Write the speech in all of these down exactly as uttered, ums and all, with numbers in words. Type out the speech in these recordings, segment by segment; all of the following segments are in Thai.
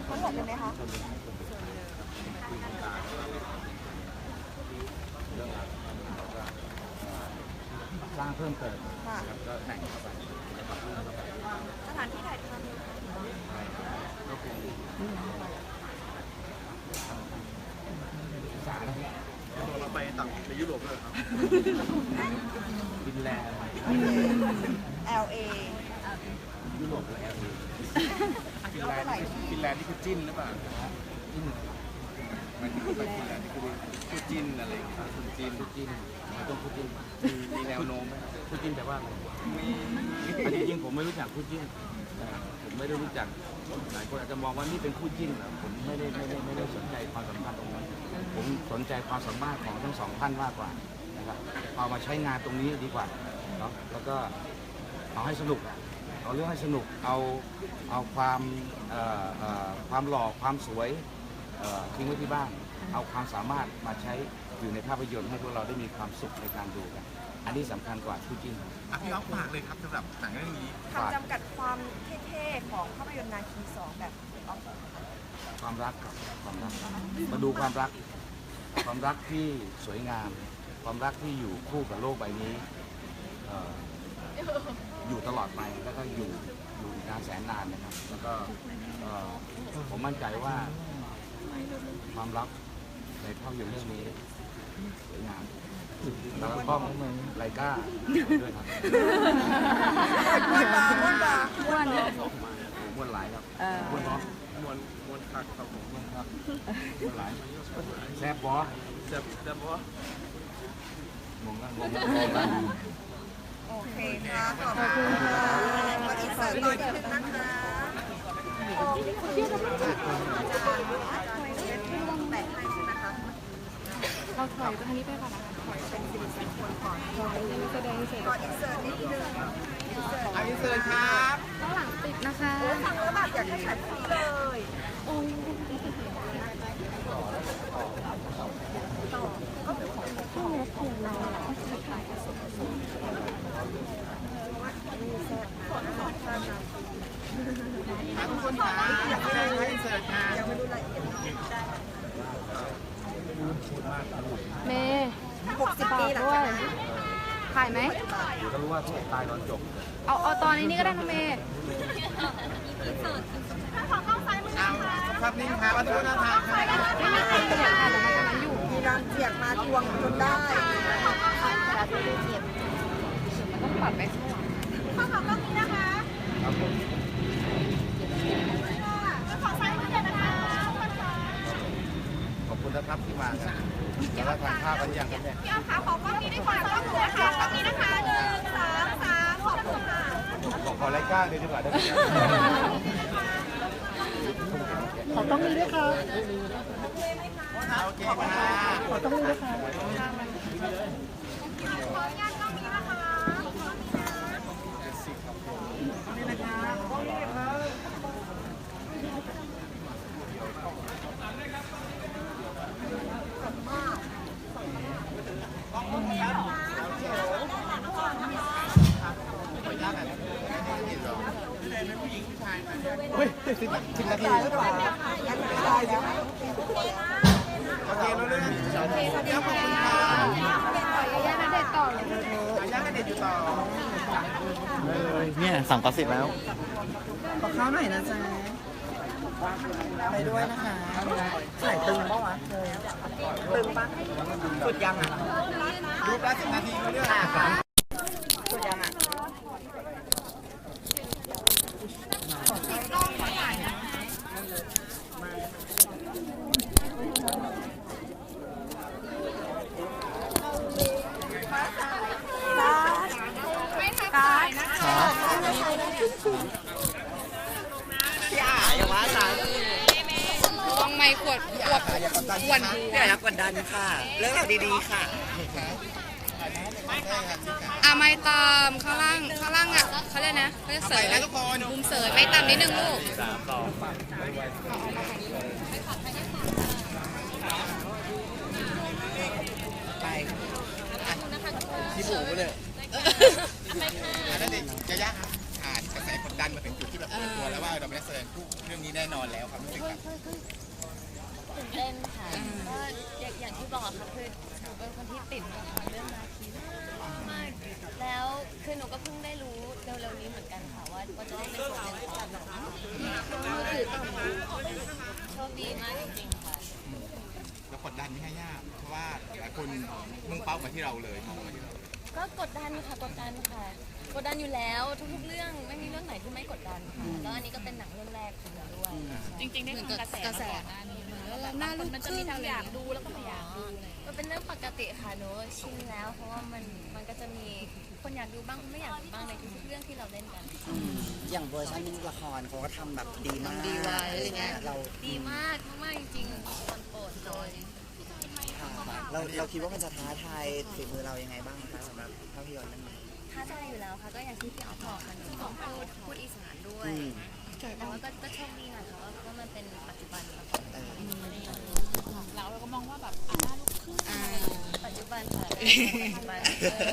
ทั้งหมดเลยไหมคะสร้างเพิ่มเติมค่ะก็แต่งเข้าไปสถานที่ถ่ายทำก็เป็นศึกษานะครับเราไปต่างในยุโรปด้วยครับฟินแลนด์แอล เอยุโรปและแอลเอฟินแลนด์นี่ฟินแลนด์นี่คือจิ้นหรือเปล่าจิ้นมันคือไปฟินแลนด์นี่คือคู่จิ้นอะไรอย่างเงี้ยคู่จิ้นคู่จิ้นไม่ต้องคู่จิ้นมีแนวโน้มไหมคู่จิ้นแปลว่าอะไรมีอันจริงๆผมไม่รู้จักคู่จิ้นนะครับผมไม่ได้รู้จักหลายคนอาจจะมองว่านี่เป็นคู่จิ้นนะผมไม่ได้ไม่ได้ไม่ได้สนใจความสัมพันธ์ตรงนั้นผมสนใจความสามารถของทั้งสองท่านมากกว่านะครับเอามาใช้งานตรงนี้ดีกว่าเนาะแล้วก็เอาให้สนุกเอาเรื่องให้สนุกเอาเอาความเอ่อเอ่อความหล่อความสวยเอ่อทิ้งไว้ที่บ้านเอาความสามารถมาใช้อยู่ในภาพยนตร์ให้พวกเราได้มีความสุขในการดูกันอันนี้สำคัญกว่าคู่จิ้นอ่ะพี่อ๊อฟฝากเลยครับสำหรับหนังเรื่องนี้คำจำกัดความเท่ๆของภาพยนตร์นาคีสองแบบออฟความรักครับความรักมาดูความรัก ความรักที่สวยงาม ความรักที่อยู่คู่กับโลกใบนี้เอ่ออยู่ตลอดไปแล้วก็อยู่อยู่อีกนานแสนนานนะครับ แล้วก็เอ่อผมมั่นใจว่าความรักในภาพยนตร์เรื่องนี้สวยงามแล้วก็ต้องไลกาด้วยครับม้วนบาม้วนบาอ้วนม้วนหลายครับเออม้วนเนาะมวนมวนคักครับผมม้วนครับม้วนหลายแซ่บบอจะจะบอกว่างงแล้วงงแล้วงงแล้วโอเคค่ะขอบคุณค่ะขออินเสิร์ตตอนนิดนึงนะคะโอ้คุณชื่ออะไรอาจารย์อาจารย์แปะให้ใช่ไหมคะเราถอยไปทางนี้ไปก่อนนะคะถอยเป็นสิริมงคลก่อนถอยแสดงเสร็จขออินเสิร์ตนิดนึงอินเสิร์ตอันนี้เชิญครับข้างหลังติดนะคะฟังแล้วแบบอยากจะถ่ายพรุ่งนี้เลยโอ้ยต่อก็เป็นของข้างรถของเราก็จะถ่ายกับสมทุกคนครับอยากให้ให้เชิญครับยังไม่รู้รายละเอียดเนาะเมย์หกสิบปีหลังด้วจากยนั้นถ่ายไหมเดี๋ยวก็รู้ว่าพวกตายตอนจบเอาเอาตอนนี้นี่ก็ได้นะเมย์เอาภาพนิ่งครับวัตถุนธรรมครับไม่มีใครเสียค่ะแต่มันกำลังอยู่มีการเจียกมาทวงจนได้มันต้องปัดไปข้างหลังข้าวของต้องนี้นะคะครับผมขอซ้ายมือเดี๋ยวนะคะขอบคุณนะครับที่มากันแล้วก็ทานข้าวกันยังครับเนี่ยพี่อ้อมขาขอกล้องนี้ด้วยค่ะกล้องหนูนะคะกล้องนี้นะคะหนึ่งสองสามขอบคุณค่ะขอขอไล่ก้างเลยดีกว่าได้ไหมขอต้องมีด้วยค่ะโอเคครับขอต้องมีด้วยค่ะขออนุญาตกล้องนี้นะคะเฮ้ยสิบสิบนาทีได้แล้วได้แล้วโอเครู้เรื่องโอเคขอบคุณครับขออนุญาตนะเด็ดต่อเลยอาย่างกันเด็ดอยู่ต่อเนี่ยสั่งกอสิบแล้วขอข้าวหน่อยนะจ๊ะไปด้วยนะคะใส่ตึงปะวะตึงปะสุดยังอ่ะรูปละสิบนาทีรู้เรื่องสุดยังอ่ะพี่อาอย่าว่าจ้ะต้องไม่ขวดขวดอย่ากดดันขวดพี่อาอย่ากดดันค่ะ เรื่องเราวดีๆค่ะอ่ะไม่ตามข้างล่างข้างล่างอ่ะเขาเรียกนะเขาเรียกเสใส่ยแล้วทุกคนมุมเสยไม่ตามนิดนึงลูกไปที่ผูกเลยอันนั้นเด็กจะยากอ่านกระแสกดดันมาถึงจุดที่แบบเปิดตัวแล้วว่าเราไม่ได้แสดงคู่เรื่องนี้แน่นอนอนแล้วครับรู้สึกแบบตื่นเต้นค่ะก็อย่างอย่างที่บอกค่ะคือหนูเป็นคนที่ติดละครเรื่องนาคีมากๆแล้วคือหนูก็เพิ่งได้รู้เร็วๆนี้เหมือนกันค่ะว่าว่าจะได้เป็นส่วนหนึ่งของหนังโชคดีมากจริงๆค่ะแล้วกดดันไม่ให้ยากเพราะว่าหลายคนมุ่งเป้ามาที่เราเลยมองมาที่เราก็กดดันค่ะกดดันค่ะกดดันอยู่แล้วทุกๆเรื่องไม่มีเรื่องไหนที่ไม่กดดันค่ะแล้วอันนี้ก็เป็นหนังเรื่องแรกของหนูด้วยจริงๆได้ฟังกระแสกระแสแล้วหน้าลูกมันจะมีทั้งอยากดูแล้วก็ไม่อยากดูมันเป็นเรื่องปกติค่ะหนูชินแล้ว เพราะว่ามันมันก็จะมีคนอยากดูบ้างไม่อยากดูบ้างในทุกๆเรื่องที่เราเล่นกันอย่างเวอร์ชันละครเขาก็ทำแบบดีมากดีไว้อะไรเงี้ยเราดีมากมากๆจริงๆมันโปรดเลยเราเราคิดว่ามันจะท้าทายฝีมือเรายังไงบ้างคะสำหรับภาพยนตร์เรื่องนี้ท้าทายอยู่แล้วค่ะก็อย่างที่พี่ออฟบอกค่ะหนูต้องพูดพูดอีสานด้วยแต่ว่าก็ก็โชคดีหน่อยค่ะว่าว่ามันเป็นปัจจุบันแล้วเราเราก็มองว่าแบบอ่าหน้าลูกครึ่งปัจจุบันค่ะปัจจุบัน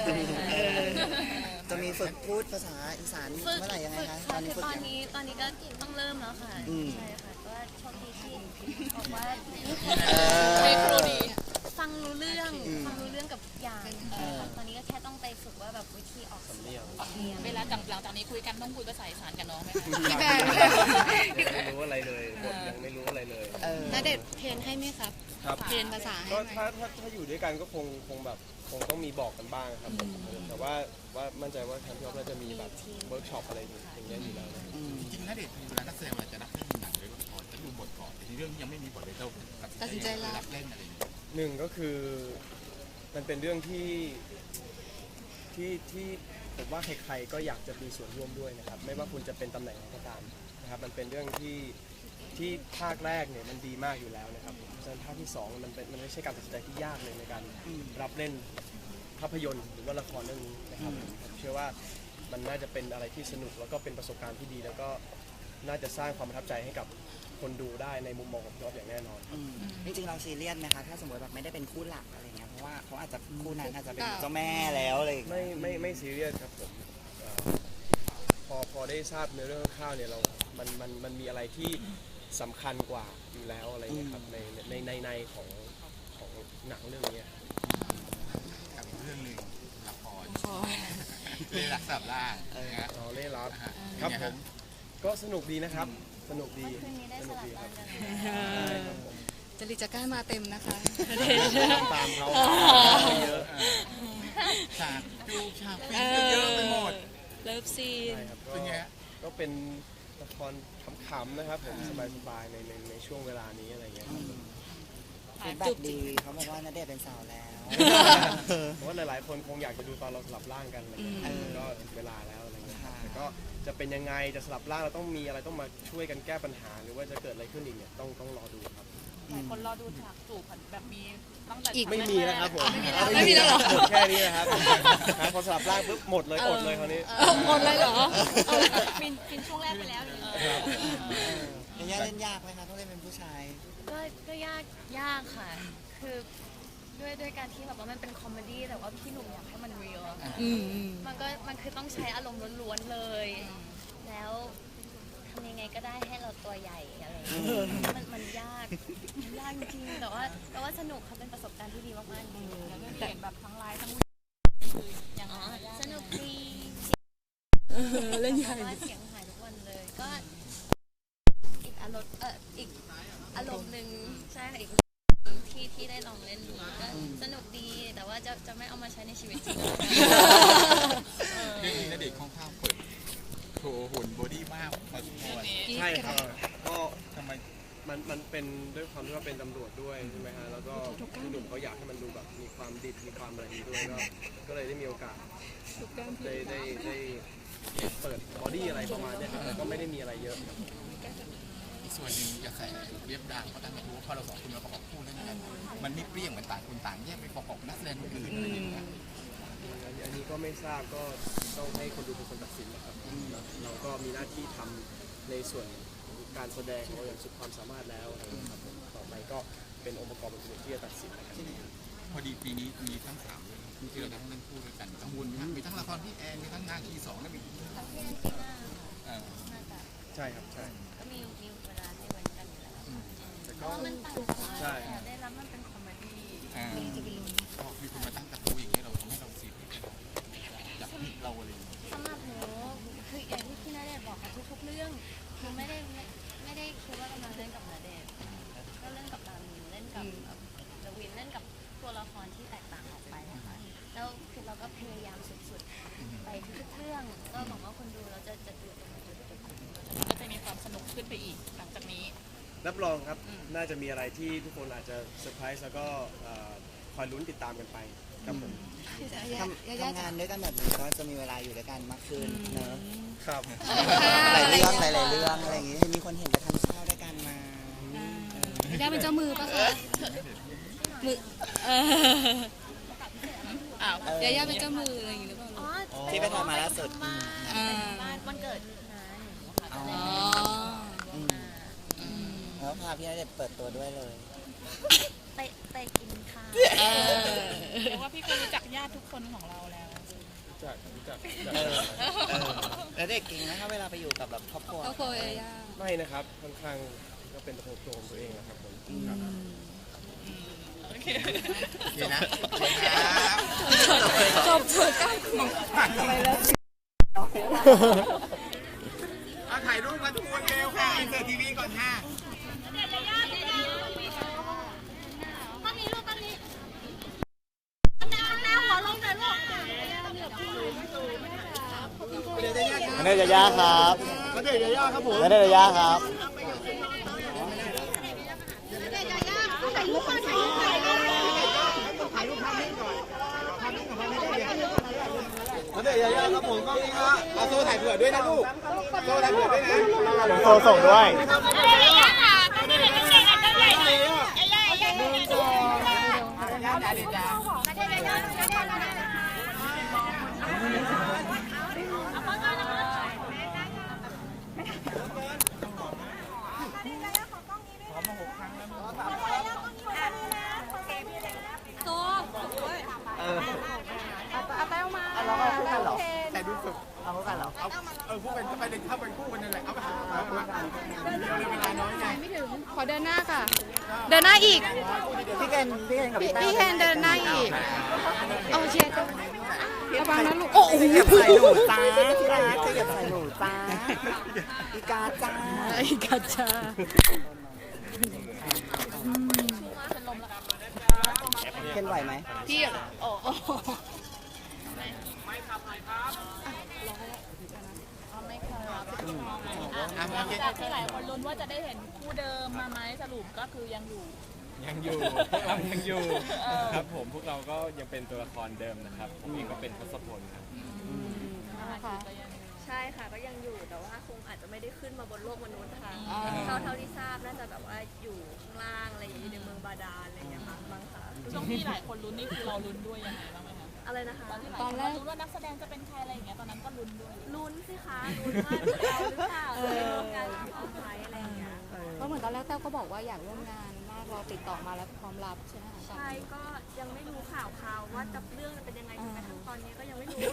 จะมีฝึกพูดภาษาอีสานฝึกเมื่อไหร่ยังไงฝึกคะค่ะตอนนี้คือฝึกตอนยังนี้ตอนนี้ก็ต้องเริ่มแล้วค่ะอืมใช่ค่ะก็โชคดีที่บอกว่าไม่ครูดีฟังรู้เรื่องฟังรู้เรื่องกับทุกอย่างตอนนี้ก็แค่ต้องไปฝึกว่าแบบวิธีออกเสียงเวลาหลังจากนี้คุยกันต้องคุยภาษาอีสานกับน้องไหมยังไม่รู้อะไรเลยบทยังไม่รู้อะไรเลยเออณเดชน์เทรนให้ไหมครับครับเทรนภาษาให้ก็ไหมถ้าถ้าถ้าอยู่ด้วยกันก็คงคงแบบคงต้องมีบอกกันบ้างครับผมแต่ว่าว่ามั่นใจว่าทางพี่อ๊อฟน่าจะมีแบบเวิร์กช็อปอะไรอย่างเงี้ยอยู่แล้วนะจริงๆณเดชน์เวลานักแสดงเวลาจะรับเล่นหนังหรือละครจะดูบทก่อนแต่ในเรื่องนี้ยังไม่มีบทเลยเราตัดสินใจรับเล่นอะไรอย่างเงี้ยหนึ่งก็คือมันเป็นเรื่องที่ที่ที่ผมว่าใครๆก็อยากจะมีส่วนร่วมด้วยนะครับไม่ว่าคุณจะเป็นตำแหน่งไหนก็ตามนะครับมันเป็นเรื่องที่ที่ภาคแรกเนี่ยมันดีมากอยู่แล้วนะครับเพราะฉะนั้นภาคที่สองมันเป็นมันไม่ใช่การตัดสินใจที่ยากเลยในการรับเล่นภาพยนตร์หรือว่าละครเรื่องนี้นะครับผมเชื่อว่ามันน่าจะเป็นอะไรที่สนุกแล้วก็เป็นประสบการณ์ที่ดี แล้วก็น่าจะสร้างความประทับใจให้กับคนดูได้ในมุมมองของพี่อ๊อฟอย่างแน่นอนอืมจริงๆเราซีเรียสไหมคะถ้าสมมติแบบไม่ได้เป็นคู่หลักอะไรเงี้ยเพราะว่าเขาอาจจะคู่นั้นอาจจะเป็นเจ้าแม่แล้วอะไรอย่างไม่เงี้ยไม่ไม่ซีเรียสครับผมเอ่อพอพอได้ทราบเนื้อเรื่องคร่าวๆเนี่ยเรา มันมันมันมีอะไรที่สำคัญกว่าอยู่แล้วอะไรเงี้ยครับในในในในของของหนังเรื่องนี้กับอีกเรื่องหนึ่งละครเรื่องรักสับล่างนะฮะอ๋อเล่รับครับผมก็สนุกดีนะครับสนุกดีคืนนี้ได้สสนุกลับดีคบ้ารันบกันใช่ครับผมจริตจะกล้ามาเต็มนะคะตามเขาเยอะฉากจูบฉากฟินเยอะไปหมดเลิฟซีนใช่ครับก็เป็นไงฮะก็เป็นละครขำๆนะครับผมสบายๆในในในช่วงเวลานี้อะไรเงี้ยครับฟีดแบ็กดีเขาบอกว่าณเดชน์เป็นสาวแล้วเพราะว่าหลายๆคนคงอยากจะดูตอนเราสลับร่างกันอะไรเงี้ยก็ถึงเวลาแล้วอะไรเงี้ยครับแต่ก็จะเป็นยังไงจะสลับร่างเราต้องมีอะไรต้องมาช่วยกันแก้ปัญหา หรือว่าจะเกิดอะไรขึ้นอีกเนี่ยต้องต้องรอดูครับหลายคนรอดูฉากจูบแบบมีตั้งแต่ไม่มีนะครับผมไม่มีแล้วเหรอหมดแค่นี้นะครับหาคนสลับร่างปุ๊บหมดเลยอดเลยคราวนี้หมดเลยเหรอฟินฟินช่วงแรกไปแล้วอย่างนี้ยังยากเล่นยากไหมคะต้องเล่นเป็นผู้ชายก็ก็ยากยากค่ะ คือด้วยด้วยการที่แบบว่ามันเป็นคอมเมดี้แต่ว่าพี่หนุ่มอยากให้มันเรียลมันก็มันคือต้องใช้อารมณ์ล้วนๆเลย แล้วทำยังไงก็ได้ให้เราตัวใหญ่อะไรอย่างเงี้ยมันมันยากมันยากจริงๆแต่ว่าแต่ว่าสนุกค่ะเป็นประสบการณ์ที่ดีมากๆจริงๆแล้วก็เห็นแบบทั้งไลฟ์ทั้งคืออย่างอ๋อสนุกดีเล่นใหญ่ว่าเสียงหายทุกวันเลย ก็อีกอารมณ์เอออีกอารมณ์หนึ่งใช่ค่ะอีกที่ที่ได้ลองเล่นดูก็สนุกดีแต่ว่าจะจะไม่เอามาใช้ในชีวิตจริงเรื่องนี้ณเดชน์ค่อนข้างเปิดโชว์หุ่นบอดี้มากพอสมควรใช่ครับก็ทำไมมันมันเป็นด้วยความที่ว่าเป็นตำรวจด้วยใช่ไหมฮะแล้วก็พี่หนุ่มเขาอยากให้มันดูแบบมีความดิบมีความอะไรนี้ด้วยก็ก็เลยได้มีโอกาสได้ได้ได้เปิดบอดี้อะไรประมาณเนี้ยครับแต่ก็ไม่ได้มีอะไรเยอะอีกส่วนหนึ่งกระแสเรียบดังเพราะตั้งแต่รู้ว่าพอเราสองคนมาประกอบคู่แล้วกันมันไม่เปรี้ยงเหมือนต่างคนต่างแยกไปประกอบนักแสดงคนอื่นอะไรอย่างเงี้ยอันนี้ก็ไม่ทราบก็ต้องให้คนดูเป็นคนตัดสินนะครับเราก็มีหน้าที่ทำในส่วนการแสดงของเราอย่างสุดความสามารถแล้วนะครับผมต่อไปก็เป็นองค์ประกอบอื่นๆที่จะตัดสินนะครับพอดีปีนี้มีทั้งสามเรื่องที่เราต้องเล่นคู่ด้วยกันกังวลมีทั้งละครพี่แอนมีทั้งงานที่สองแล้วมีค่ะพี่แอนทีน่าเอ่อน่าจะใช่ครับใช่ก็มีมีเวลาให้ไว้ราะว่ามันต่างใช่กันได้รับมันเป็นคอมเมดี้อ่าพอมีคนมาตั้งกระทู้อย่างนี้เราทำให้เราซีเรียสอยากผิดเราอะไรอย่างเงี้ยสำหรับหนูคืออย่างที่พี่ณเดชน์บอกค่ะทุกๆเรื่องคือไม่ได้ไม่ไม่ได้คิดว่ากำลังเล่นกับณเดชน์ก็เล่นกับดามินเล่นกับลวินเล่นกับตัวละครที่แตกต่างออกไปนะคะแล้วคือเราก็พยายามสุดๆไปทุกๆเรื่องก็หวังว่าคนดูเราจะจะดูตรงจุดจุดนี้ก็จะมีความสนุกขึ้นไปอีกหลังจากนี้รับรองครับน่าจะมีอะไรที่ทุกคนอาจจะเซอร์ไพรส์แล้วก็เอ่อคอยลุ้นติดตามกันไปครับผมทำทำงานด้วยกันแบบนี้ก็จะมีเวลาอยู่ด้วยกันมากขึ้นเนอะครับหลายเรื่องหลายๆเรื่องอะไรอย่างงี้ให้มีคนเห็นไปทานข้าวด้วยกันมาย่าเป็นเจ้ามือปะคะมือเอออ้าวย่าย่าเป็นเจ้ามืออะไรอย่างงี้หรือเปล่าอ๋อที่ไปทำมาล่าสุดบ้านอ่าบ้านวันเกิดน้าหนูค่ะอ๋อ อืมแล้วพาพี่ณเดชน์เปิดตัวด้วยเลยไปไปกินข้าวเออเรียกว่าพี่ก็รู้จักญาติทุกคนของเราแล้วจากจากเออเออแล้วเด็กเก่งนะคะเวลาไปอยู่กับแบบครอบครัวก็โคยย่าไม่นะครับค่อนข้างก็เป็นตัวตัวของตัวเองนะครับผมครับโอเคเดี๋ยวนะจบเถอะก้าวของอะไรแล้วเอาถ่ายรูปมาทุกคนเร็วค่ะอินเสิร์ตทีวีก่อนค่ะณเดชน์ยายาครับณเดชน์ยายาครับผมณเดชน์ยายาครับณเดชน์ยายาครับผมกล้องนี้ครับเอาโซ่ถ่ายเผื่อด้วยนะลูกโซ่ถ่ายเผื่อด้วยนะโซ่ส่งด้วยเราก็คู่กันเหรอแต่ดูฝึกเอาคู่กันเหรอเอาเออคู่กันเข้าไปเลยเข้าไปคู่กันนั่นแหละเอาไปเอาคู่กันเดี๋ยวเวลาน้อยไงไม่ถึงขอเดินหน้าค่ะ เดินหน้าอีกพี่เคนพี่เคนกับพี่พี่แต้วพี่เคนเดินหน้าอีกเอาเชียร์ระวังนะลูกโอ้โหเหยียบใส่หนูจ้าที่รักจะเหยียบใส่หนูจ้าอีกาจ้าไอ้กัจจาเคนไหวไหมพี่โอ้โหจากที่หลายคนลุ้นว่าจะได้เห็นคู่เดิมมาไหมสรุปก็คือยังอยู่ยังอยู่ เรายังอยู่ครับผมพวกเราก็ยังเป็นตัวละครเดิมนะครับผมเองก็เป็นทศพลครับใช่ค่ะก็ยังอยู่แต่ว่าคงอาจจะไม่ได้ขึ้นมาบนโลกมนุษย์ค่ะเท่าเท่าที่ทราบน่าจะแบบว่าอยู่ข้างล่างอะไรอย่างนี้ในเมืองบาดาลอะไรอย่างเงี้ยค่ะบางค่ะช่วงที่หลายคนลุ้นนี่คือเราลุ้นด้วยยังไงบ้างไหมคะอะไรนะคะตอนที่หลายคนเราลุ้นว่านักแสดงจะเป็นใครอะไรอย่างเงี้ยตอนนั้นก็ลุ้นด้วยลุ้นสิคะลุ้นว่าเราหรือเปล่าจะได้ร่วมงานกับออฟไลน์อะไรอย่างเงี้ยเพราะเหมือนตอนแรกแต้วก็บอกว่าอยากร่วมงานมากรอติดต่อมาแล้วพร้อมรับใช่ไหมคะใช่ก็ยังไม่รู้ข่าวข่าวว่าจะเรื่องจะเป็นยังไงจนกระทั่งตอนนี้ก็ยังไม่รู้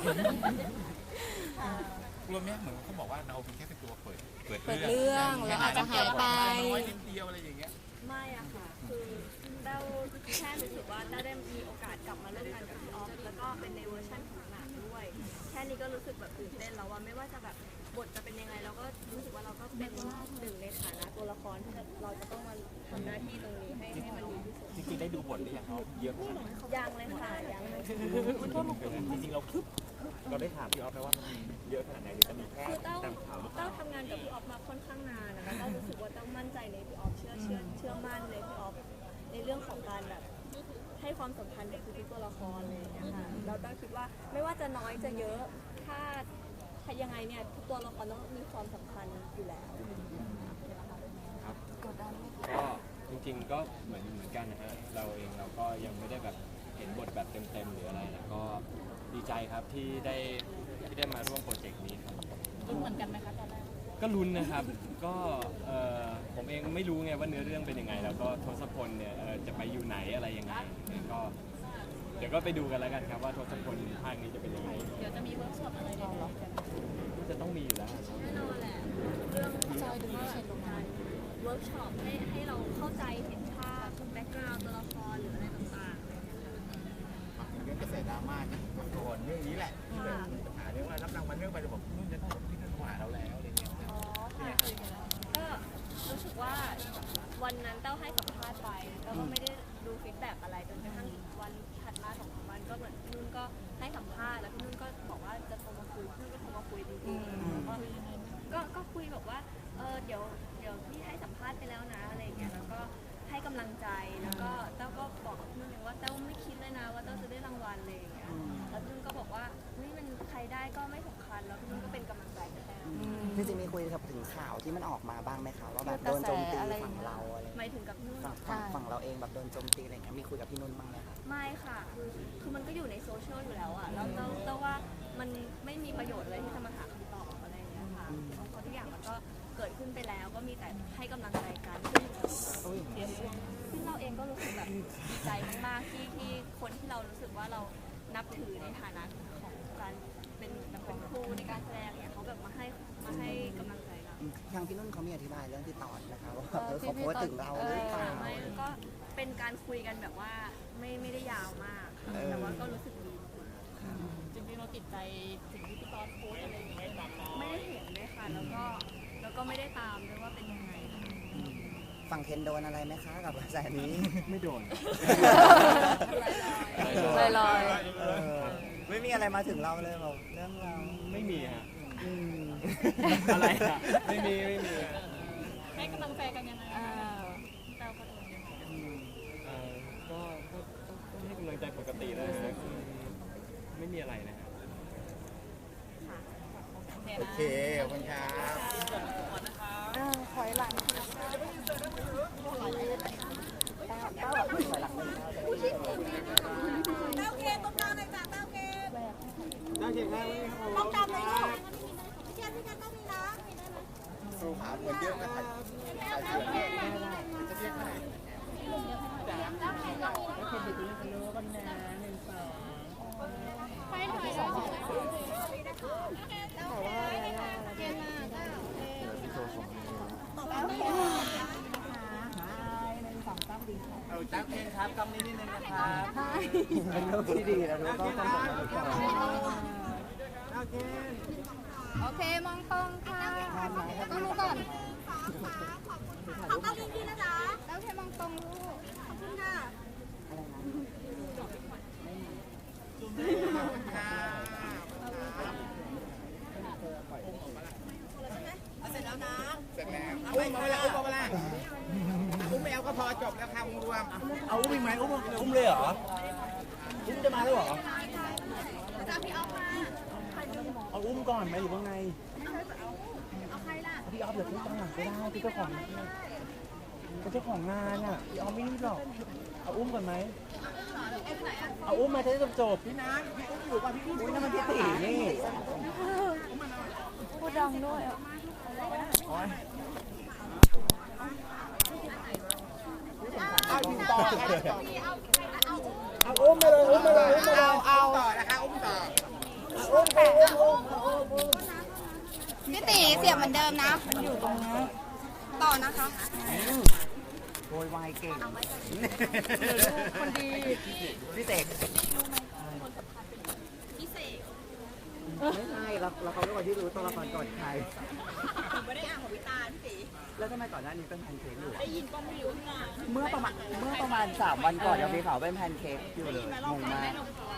กลัวไหมเหมือนเขาบอกว่าเราเป็นแค่เป็นตัวเปิดเปิดเปิดเรื่องแล้วอาจจะหายไปน้อยนิดเดียวอะไรอย่างเงี้ยไม่อะค่ะ คือเต้าแค่รู้สึกว่าเต้าได้มีโอกาสกลับมาเล่นงานกับพี่ออฟแล้วก็เป็นในเวอร์ชันของหนังด้วย แค่นี้ก็รู้สึกแบบตื่นเต้นแล้วว่าไม่ว่าจะแบบบทจะเป็นยังไงเราก็รู้สึกว่าเราก็เป็นหนึ่งในฐานะตัวละครที่เราจะต้องมาทำหน้าที่ตรงนี้ให้ให้มันดีที่สุดจริงๆได้ดูบทหรือยังครับเยอะขนาดไหนยังเลยค่ะยังเลยจริงๆเราเราได้ถามพี่ออฟไหมว่ามันเยอะขนาดไหนหรือจะมีแค่คือเต้าตามข่าวหรือเปเต้าล่าทำงานกับพี่ออฟมาค่อนข้างนานนะคะเต้ารู้สึกว่าเต้ามั่นใจในพี่ออฟเชื่อเชื่อเชื่อมั่นในพี่ออฟในเรื่องของการแบบให้ความสำคัญกับทุกๆตัวละครเลยอย่างเงี้ยค่ะเราเต้าคิดว่าไม่ว่าจะน้อยจะเยอะถ้าถ้ายังไงเนี่ยทุกตัวละครต้องมีความสำคัญอยู่แล้วครับก็จริงๆก็เหมือนเหมือนกันนะฮะเราเองเราก็ยังไม่ได้แบบเห็นบทแบบเต็มๆหรืออะไรนะก็ดีใจครับที่ได้ที่ได้มาร่วมโปรเจกต์นี้ครับลุ้นเหมือนกันไหมคะตอนแรกก็ลุ้นนะครับก็เอ่อผมเองไม่รู้ไงว่าเนื้อเรื่องเป็นยังไง แล้วก็ทศพลเนี่ยเอ่อจะไปอยู่ไหนอะไรยังไงก็เดี๋ยวก็ไปดูกันแล้วกันครับว่าทศพลภาคนี้จะเป็นยังไงเดี๋ยวจะมีเวิร์กช็อปอะไรได้ไหมจะต้องมีอยู่แล้วแน่นอนแหละเรื่องจอยดูไม่เช็ดลงมาเวิร์กช็อปให้ให้เราเข้าใจเห็นภาพแบ็กกราวด์ตัวละครหรืออะไรต่างๆอะไรอย่างเงี้ยค่ะเรื่องกระแสดราม่าก่อนเรื่องนี้แหละที่แบบมีปัญหาเรื่องว่ารับรางวัลเรื่องไปจะบอกนู่นจะพี่นุ่นโทรหาเราแล้วอะไรเงี้ยอ๋อค่ะก็รู้สึกว่าวันนั้นเต้าให้สัมภาษณ์ไปเต้าก็ไม่ได้ดูฟีดแบ็กอะไรจนกระทั่งวันถัดมาสองสามวันก็เหมือนพี่นุ่นก็ให้สัมภาษณ์แล้วพี่นุ่นก็บอกว่าจะโทรมาคุยพี่นุ่นก็โทรมาคุยจริงๆแล้วก็ก็ก็คุยแบบว่าเออเดี๋ยวเดี๋ยวพี่ให้สัมภาษณ์ไปแล้วนะอะไรอย่างเงี้ยแล้วก็ให้กำลังใจแล้วก็เต้าก็บอกกับพี่นุ่นเองว่าเต้าไม่คิดเลยนะว่าเต้าจะได้รางวัลเลยอย่างเงี้ยแล้วพี่นุ่นก็บอกว่าเฮ้ยมันใครได้ก็ไม่สำคัญแล้วพี่นุ่นก็เป็นกำลังใจให้แต้วจริงๆมีคุยถึงข่าวที่มันออกมาบ้างไหมคะว่าแบบโดนโจมตีฝั่งเราอะไรหมายถึงกับนุ่นฝั่งฝั่งฝั่งเราเองแบบโดนโจมตีอะไรเงี้ยมีคุยกับพี่นุ่นบ้างไหมคะไม่ค่ะคือคือมันก็อยู่ในโซเชียลอยู่แล้วอ่ะแล้วเราเราว่ามันไม่มีประโยชน์เลยที่จะมาหาคำตอบอะไรอย่างเงี้ยค่ะเพราะทุกอย่างมันก็เกิดขึ้นไปแล้วก็มีแต่ให้กำลังใจกันซึ่งซึ่งเราเองก็รู้สึกแบบดีใจมากๆที่ที่คนที่เรารู้สึกว่าเรานับถือในฐานะของการเป็นแบบเป็นครูในการแสดงเนี่ยเขาแบบมาให้มาให้กำลังใจเราทางพี่นุ่นเขามีอธิบายเรื่องที่ตอนนะคะว่าเออเขาโพสต์ถึงเราหรือเปล่าไม่ก็เป็นการคุยกันแบบว่าไม่ไม่ได้ยาวมากแต่ว่าก็รู้สึกดีจริงๆเราติดใจสิ่งที่พี่ตอนโพสอะไรอย่างเงี้ยไม่ได้เห็นเลยค่ะแล้วก็แล้วก็ไม่ได้ตามด้วยว่าเป็นยังไงฝั่งเคนโดนอะไรไหมคะกับกระแสนี้ไม่โดนลอยลอยไม่มีอะไรมาถึงเราเลยบอกเรื่องเราไม่มีฮะอืมอะไรอะไม่มีไม่มีให้กำลังใจกันยังไงเราก็โดนยังไงเอ่อก็ก็ก็ก็ให้กำลังใจปกติเลยนะคือไม่มีอะไรนะฮะโอเคขอบคุณครับถอยหลังต้องจำเลยลูกพี่เชียร์พี่กันต้องมีนะสู้ขาเหมือนเดิมนะใครใครเชื่อจะเรียกใคร เอาจ้าเคนครับกำนี้นิดนึงนะครับเป็นเรื่องที่ดีแล้วก็ต้องบอกเราก่อนโอเคโอเค มองตรงค่ะต้องรู้ก่อนขอบคุณพี่นะจ๊ะแล้วแค่มองตรงลูกขอบคุณค่ะเสร็จแล้วนะเสร็จแล้วอุ้มมาแล้วอุ้มมาแล้วอุ้มไม่เอาก็พอจบแล้วค่ะรวมเอาอุ้มอีกไหมอุ้มอุ้มเลยเหรออุ้มจะมาแล้วเหรอเอาอุ้มก่อนไหมอยู่ข้างในพี่ออฟเดี๋ยวพี่ตั้งหลังก็ได้พี่เจ้าของเป็นเจ้าของงานอ่ะพี่ออฟไม่รีบหรอกเอาอุ้มก่อนไหมเอาอุ้มมาจะได้จบพี่นัทพี่อุ้มอยู่ป่ะพี่อุ้มนั่นมันพี่ตีนี่พูดดังด้วยเอาอุ้มต่อเอาอุ้มไปเลยอุ้มไปเลยอุ้มไปเลยเอาต่อนะคะอุ้มต่ออุ้มไปอุ้มอุ้มอุ้มพี่ตีเสียบเหมือนเดิมนะ มันอยู่ตรงนี้ต่อนะคะโวยวายเก่งคนดีพี่เสกพี่เสกไม่ใช่เราเราเขาเป็นคนที่รู้ตัวละครก่อนใครผมไม่ได้อ่านของวิตาพี่ตีแล้วทำไมก่อนหน้านี้เป็นแพนเค้กอยู่ได้ยินก็ไม่รู้ไงเมื่อประมาณเมื่อประมาณสามวันก่อนยังมีข่าวเป็นแพนเค้กอยู่เลยงงมาก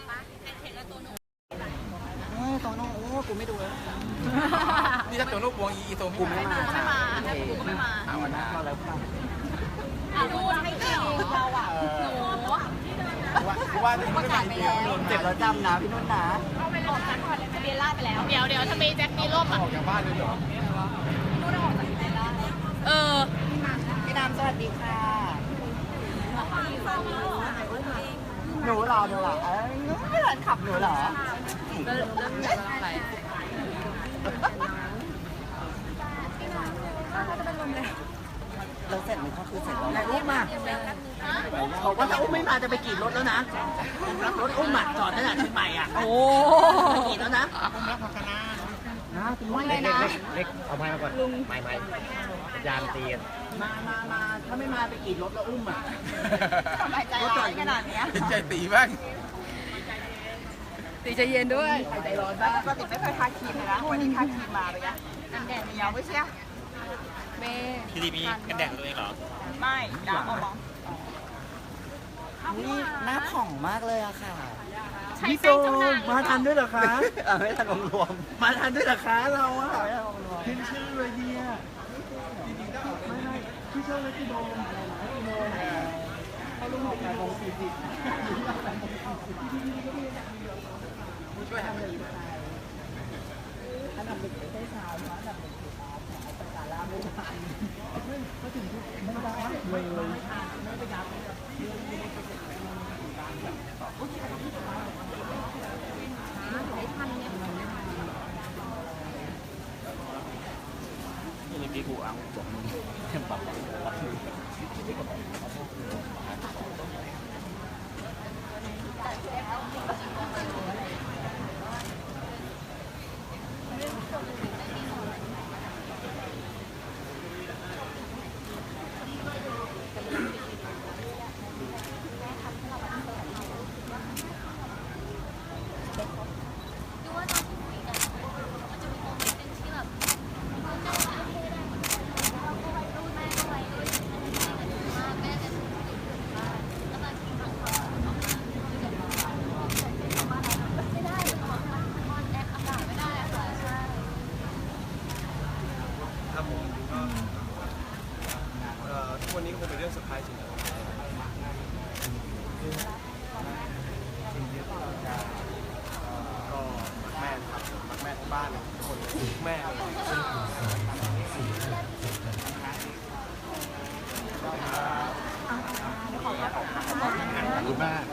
เฮ้ยโตโน่โอ้กูไม่ดูแล้วนี่ถ้าตัวลูกวงอีโตกูไม่มาไม่มาถ้ากูไม่มาเอาวันนั้นมาแล้วค่ะดูให้เกี่ยวเราอ่ะหนูว่าประกาศไปแล้วเจ็บแล้วจำนะพี่นุ่นนะออกจากทะเบียนราษฎร์ไปแล้วเดี๋ยวเดี๋ยวถ้ามีแจ็คมีร่มอ่ะออกจากบ้านเลยเหรอนู่นออกจากทะเบียนราษฎร์เออพี่น้ำสวัสดีค่ะหนูเหรอหนูเหรอเอ้ยไม่เหมือนขับหนูเหรอเราเสร็จมันก็คือเสร็จแล้วไหนอุ้มมาบอกว่าถ้าอุ้มไม่มาจะไปกรีดรถแล้วนะรถอุ้มอ่ะจอดตั้งแต่เชียงใหม่อ่ะโอ้กรีดแล้วนะนะคุณลุงเล็กเล็กเอาไม้มาก่อนไม้ไม้ยามตีกันมามามาถ้าไม่มาไปกรีดรถแล้วอุ้มอ่ะทำไมใจร้ายขนาดเนี้ยเป็นใจตีบ้างตีใจเย็นด้วยใจร้อนบ้างปกติไม่เคยทาครีมเลยนะวันนี้ทาครีมมาเลยนะกันแดดเหนียวไม่ใช่เมย์พี่ดีมีกันแดดตัวเองเหรอไม่ดาวมองนี่หน้าผ่องมากเลยอะค่ะใช้พี่โตแป้งจำหน่ายมาทันด้วยเหรอคะไม่ทันรวมมาทันด้วยเหรอคะเราอะไม่ทันรวมขึ้นชื่อเลยเนี่ยไม่ไม่พี่ชอบเลยพี่โดมพี่โดมเขาลงแปดโมงสี่สิบช่วยทำเลยอันดับหนึ่งไม่ใช่เช้าอันดับหนึ่งคือแต่สาระไม่ทันไม่ถึงไม่ได้เลยไม่ไปยับนี่เมื่อกี้กูเอาบอกมึงเต็มปากรับมือดูว่าตอนที่คุยกันมันจะมีโมเมนต์หนึ่งที่แบบเราจะโอเคได้เหมือนกันเราก็ไว้รุ่นแม่ก็ไว้รุ่นแม่แม่จะรู้สึกว่าแล้วบางทีบางคนออกมาไม่ได้ไม่ได้ออกมาออนแอปอากาศไม่ได้ค่ะใช่ครับผมก็เอ่อทุกวันนี้ก็คงเป็นเรื่องเซอร์ไพรส์จริงๆก็รักแม่นะครับรักแม่ทั้งบ้านทุกคนทุกแม่เลยขอบคุณมาก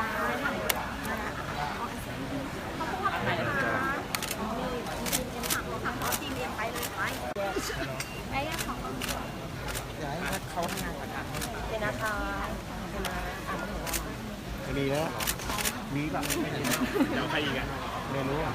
จะมีแล้วมีแบบเดี๋ยวใครอีกอ่ะไม่รู้อ่ะ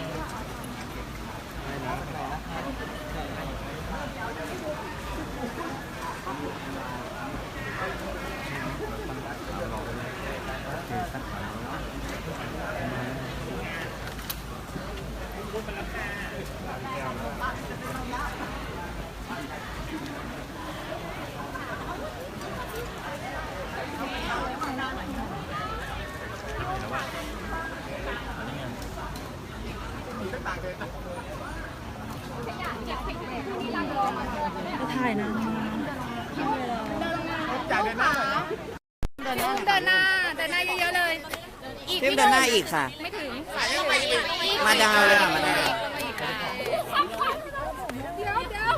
ถ่ายนะจากเดินหน้าเดินหน้าเดินหน้าเดินหน้าเยอะๆเลย อีกเพิ่มเดินหน้าอีกค่ะไม่ถึงมาดาวเลยค่ะมาดาวเดี๋ยวเดี๋ยว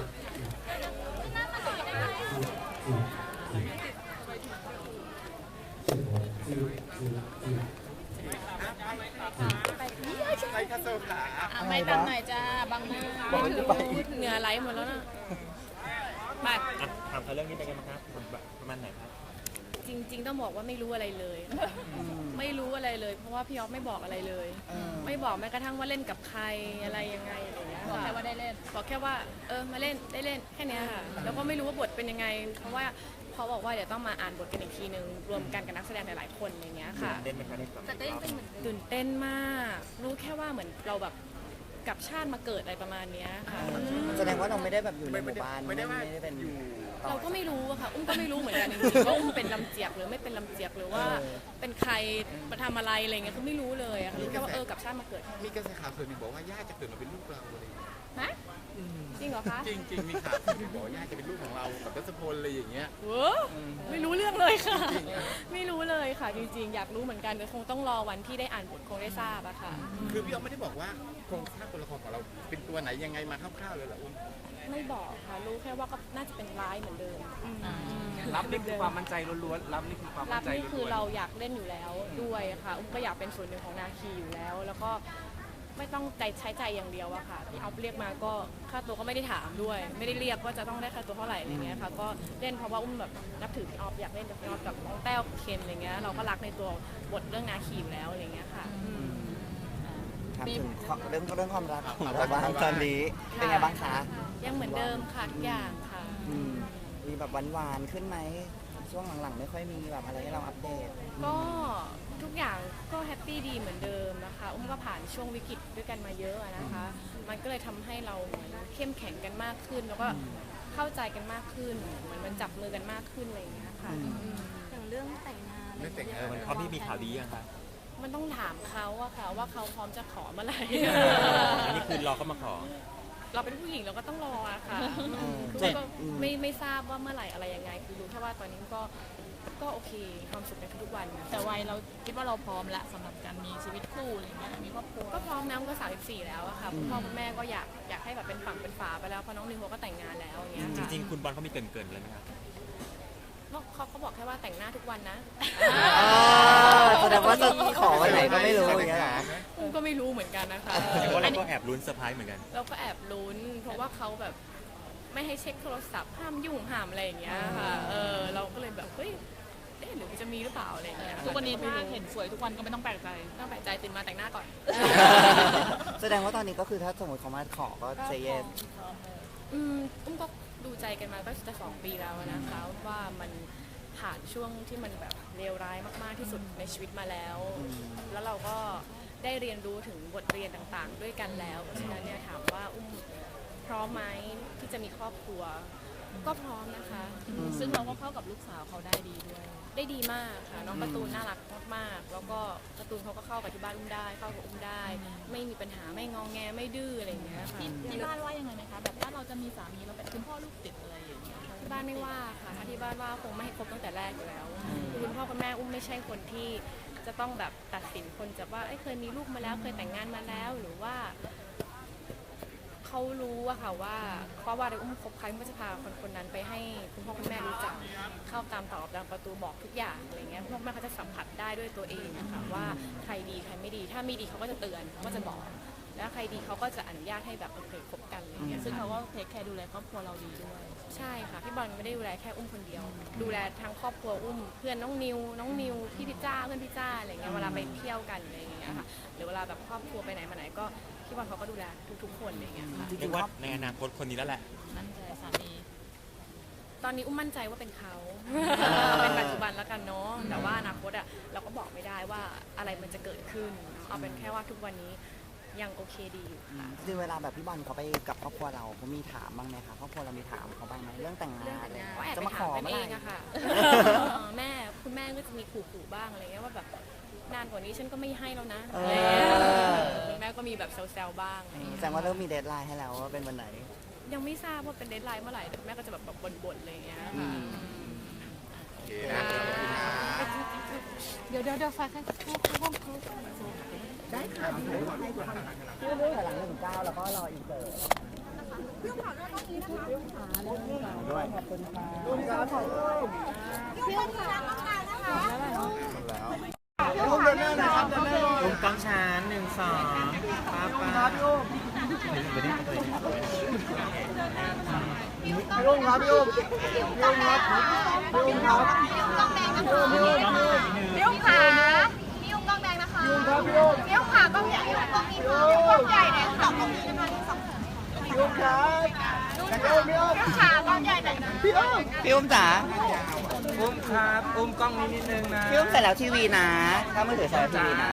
ใครคาโซขาไม่ตัดหน่อยจ้าบางหน้าไม่ถึงเหงื่อไหลหมดแล้วนะไปถามเขาเรื่องนี้เป็นไงบ้างครับประมาณไหนครับจริง ๆ ต้องบอกว่าไม่รู้อะไรเลย ไม่รู้อะไรเลย เพราะว่าพี่อ๊อฟไม่บอกอะไรเลย ไม่บอกแม้กระทั่งว่าเล่นกับใครอะไรยังไงอะไรอย่างเงี้ยบอกค่ะแค่ว่าได้เล่นบอกแค่ว่าเออมาเล่นได้เล่นแค่เนี้ยค่ะแล้วก็ไม่รู้ว่าบทเป็นยังไง เพราะว่าเขาบอกว่าเดี๋ยวต้องมาอ่านบทกันอีกทีนึงรวมกันกับนักแสดงหลายๆคนอะไรเงี้ยค่ะเต้นไหมคะในความแต่ก็ยังเป็นเหมือนเดิมตื่นเต้นมาก รู้แค่ว่าเหมือนเราแบบกลับชาติมาเกิดอะไรประมาณเนี้ยค่ะแสดงว่าเราไม่ได้แบบอยู่ในไม่หไม่มู่ได้บ้านไม่ได้ว่าไม่ได้เป็นอยู่เราก็ไม่รู้อะค่ะ อุ้มก็ไม่รู้เหมือนกันจริงๆว่าอุ้มเป็นลำเจียกหรือไม่เป็นลำเจียกหรือว่าเป็นใครมาทำอะไรอะไรเงี้ยคือไม่รู้เลยอะค่ะรู้แค่ว่าเออกลับชาติมาเกิดมีกระแสข่าวส่วนหนึ่งบอกว่าย่าจะเกิดมาเป็นลูกเราอะไรอย่างเงี้ยฮะจริงเหรอคะจริงจริงๆมีข่าวส่วนหนึ่งบอกว่าย่าจะเป็นลูกของเรากับรัศพลอะไรอย่างเงี้ยเว้อไม่รู้เรื่องเลยค่ะ ไม่รู้เลยค่ะ จริงๆ อยากรู้เหมือนกันแต่คงต้องรอวันที่ได้อ่านบทคงได้ทราบอะค่ะคือพี่อ๊อฟไม่ได้บอกว่าโครงสร้างตัวละครของเราเป็นตัวไหนยังไงมาคร่าวๆเลยเหรออุ้มไม่บอกค่ะ รู้แค่ว่าก็น่าจะเป็นร้ายเหมือนเดิมรับนี่คือความมั่นใจล้วนๆรับนี่คือความรัมั่บนใจนี่คือล้วนๆเราอยากเล่นอยู่แล้วด้วยค่ะ อุ้มก็อยากเป็นส่วนหนึ่งของนาคีอยู่แล้ว แล้วก็ไม่ต้องใจใช้ใจอย่างเดียวอะค่ะที่เอาเรียกมาก็ค่าตัวก็ไม่ได้ถามด้วย ไม่ได้เรียกว่าจะต้องได้ค่าตัวเท่าไหร่อะไรเงี้ยค่ะ ก็เล่นเพราะว่าอุ้มแบบนับถือพี่ออฟอยากเล่นกับพี่ออฟกับน้องแต้วเคนอะไรเงี้ย เราก็รักในตัวบทเรื่องนาคีอยู่แล้วอะไรเงี้ยค่ะถามถึงเรื่องเรื่องความรักของเราบ้างตอนนี้เป็นไงบ้างคะยังเหมือนเดิมค่ะทุกอย่างค่ะอืมมีแบบหวานๆขึ้นไหมช่วงหลังๆไม่ค่อยมีแบบอะไรให้เราอัปเดตก็ทุกอย่างก็แฮปปี้ดีเหมือนเดิมนะคะอุ้มก็ผ่านช่วงวิกฤตด้วยกันมาเยอะอะนะคะ มันก็เลยทำให้เราเหมือนเข้มแข็งกันมากขึ้น แล้วก็เข้าใจกันมากขึ้นเหมือนมันจับมือกันมากขึ้นอะไรอย่างเงี้ยค่ะอืมอืมอย่างเรื่องแต่งงานเรื่องแต่งงานมันพร้อมที่มีข่าวดียังคะมันต้องถามเขาอะค่ะว่าเขาพร้อมจะขอเมื่อไหร่อันนี้คือรอเขามาขอเราเป็นผู้หญิงเราก็ต้องรออะค่ะเออคือเจ็ดก็อืมไม่ไม่ทราบว่าเมื่อไหร่อะไรยังไง คือรู้แค่ว่าตอนนี้ก็ก็โอเคมีความสุขในทุกๆวันแต่วัยเราคิดว่าเราพร้อมละสำหรับการมีชีวิตคู่อะไรเงี้ยมีครอบครัวก็พร้อมนะก็สามสิบสี่แล้วอะค่ะคุณพ่อคุณแม่ก็อยากอยากให้แบบเป็นฝั่งเป็นฝาไปแล้วเพราะน้องนิวเขาก็แต่งงานแล้วอย่างเงี้ยจค่ะริงๆ คุณบอลเขามีเกรินๆเลยไหมครับเขาเขาบอกแค่ว่าแต่งหน้าทุกวันนะอ่าแสดงว่าจะขอวันไหนก็ไม่รู้อย่างเงี้ยเหรออุ้มก็ไม่รู้เหมือนกันนะคะแต่ว่าเราก็แอบลุ้นเซอร์ไพรส์เหมือนกันเราก็แอบลุ้น เพราะว่าเขาแบบไม่ให้เช็คโทรศัพท์ห้ามยุ่งห้ามอะไรอย่างเงี้ยค่ะเออเราก็เลยแบบเฮ้ยเอ๊ะหรือจะมีหรือเปล่าอะไรอย่างเงี้ยทุกวันนี้ถ้าเห็นสวยทุกวันก็ไม่ต้องแปลกใจต้องแปลกใจตื่นมาแต่งหน้าก่อนแสดงว่าตอนนี้ก็คือถ้าสมมติเขามาขอก็เซเยสอืมอุ้มก็ดูใจกันมาก็จะสองปีแล้วนะคะว่ามันผ่านช่วงที่มันแบบเลวร้ายมากๆที่สุดในชีวิตมาแล้ว แล้วเราก็ได้เรียนรู้ถึงบทเรียนต่างๆ ด้วยกันแล้วเพราะฉะนั้นเนี่ยถามว่าอุ้มพร้อมไหมที่จะมีครอบครัว ก็พร้อมนะคะซึ่งเราก็เข้ากับลูกสาวเขาได้ดีด้วยได้ดีมากค่ะน้องการ์ตูนน่ารักมากๆแล้วก็การ์ตูนเขาก็เข้ากับที่บ้านอุ้มได้เข้ากับอุ้มได้ ไม่มีปัญหาไม่งองแงไม่ดื้ออะไรอย่างเงี้ยค่ะที่ที่บ้านว่ายังไงไหมคะแบบถ้าเราจะมีสามีเราเป็นคุณพ่อลูกติดอะไรอย่างเงี้ยที่บ้านไม่ว่าค่ะถ้าที่บ้านว่าคงไม่ให้คบตั้งแต่แรกอยู่แล้วคือคุณพ่อคุณแม่อุ้มไม่ใช่คนที่จะต้องแบบตัดสินคนจากว่าเอ้ยเคยมีลูกมาแล้วเคยแต่งงานมาแล้วหรือว่าเขารู้อะค่ะว่าเพราะว่าเราอุ้มคบใครอุ้มก็จะพาคนคนนั้นไปให้คุณพ่อคุณแม่รู้จักเข้าตามตอกตามประตูบอกทุกอย่างอะไรเงี้ยคุณพ่อคุณแม่เขาจะสัมผัสได้ด้วยตัวเองนะคะว่าใครดีใครไม่ดี ถ้าไม่ดีเขาก็จะเตือนเขาก็จะบอกแล้วใครดีเขาก็จะอนุญาตให้แบบโอเคคบกันอะไรเงี้ยซึ่งค่ะเขาก็เทคแคร์ดูแลครอบครัวเราดีด้วยใช่ค่ะพี่บอลไม่ได้ดูแลแค่อุ้มคนเดียว ดูแลทั้งครอบครัวอุ้มเพื่อนน้องนิวน้องนิวพี่พิจ้าเพื่อนพิจ้าอะไรเงี้ยเวลาไปเที่ยวกันอะไรอย่างเงี้ยค่ะหรือเวลาแบบครอบครัวไปไหนมาไหนก็พี่บอลเขาก็ดูแลทุกๆคนอะไรเงี้ยค่ะเรียกว่าในอนาคตคนนี้แล้วแหละนั่นใจสามีตอนนี้อุ้มมั่นใจว่าเป็นเขา เป็นปัจจุบันแล้วกันเนาะแต่ว่าอนาคตอะเราก็บอกไม่ได้ว่าอะไรมันจะเกิดขึ้นเอาเป็นแค่ว่าทุกวันนี้ยังโอเคดีอยู่ค่ะคือเวลาแบบพี่บอลเขาไปกับครอบครัวเราเขามีถามบ้างไหมคะครอบครัวเรามีถามเขาบ้างไหมเรื่องแต่งงานเรื่องแต่งงานอะไรก็แอบจะไปมาขถามอกันเมื่อเอไหร่งอะค่ะแม่คุณแม่ก็จะมีขู่ๆบ้างอะไรเงี้ยว่าแบบนานกว่านี้ฉันก็ไม่ให้แล้วนะอะไรเงี้ยคุณแม่ก็มีแบบแซวๆบ้างอะไรเงี้ยแสดงว่าเริ่มมีเดทไลน์ให้แล้วว่าเป็นวันไหนยังไม่ทราบว่าเป็นเดทไลน์เมื่อไหร่แต่แม่ก็จะแบบแบบบ่นๆอะไรอย่างเงี้ยค่ะโอเคนะขอบคุณนะเดี๋ยวเดี๋ยวเดี๋ยวฝากให้ห้องเขาได้ค่ะให้ทุกคนชื่อเรื่องหลังหนึ่งเก้าแล้วก็รออีกเสิร์ฟพี่ขอด้วยต้องนี้นะคะพี่ขาด้วยขอบคุณค่ะพี่ขาขอด้วยพี่ขาต้องการนะคะพี่ขาเดินหน้านะครับเดินหน้าลงกล้องชานหนึ่งสองป้าป้าพี่อุ้มพี่อุ้มครับพี่อุ้มพี่อุ้มครับพี่อุ้มครับพี่อุ้มครับพี่อุ้มพี่อุ้มขาพี่อุ้มกล้องแดงนะคะพี่อุ้มครับพี่อุ้มพี่อุ้มขากล้องใหญ่พี่อุ้มกล้องนี้ค่ะพี่อุ้มกล้องใหญ่เนี่ยสองกล้องนี้นะคะที่สองพี่อุ้มครับพี่อุ้มพี่อุ้มพี่อุ้มขากล้องใหญ่หน่อยนะพี่อุ้มพี่อุ้มจ๋าอุ้มครับอุ้มกล้องนี้นิดนึงนะพี่อุ้มใส่แล้วทีวีนะ ถ้ามือถือใส่แล้วทีวีนะ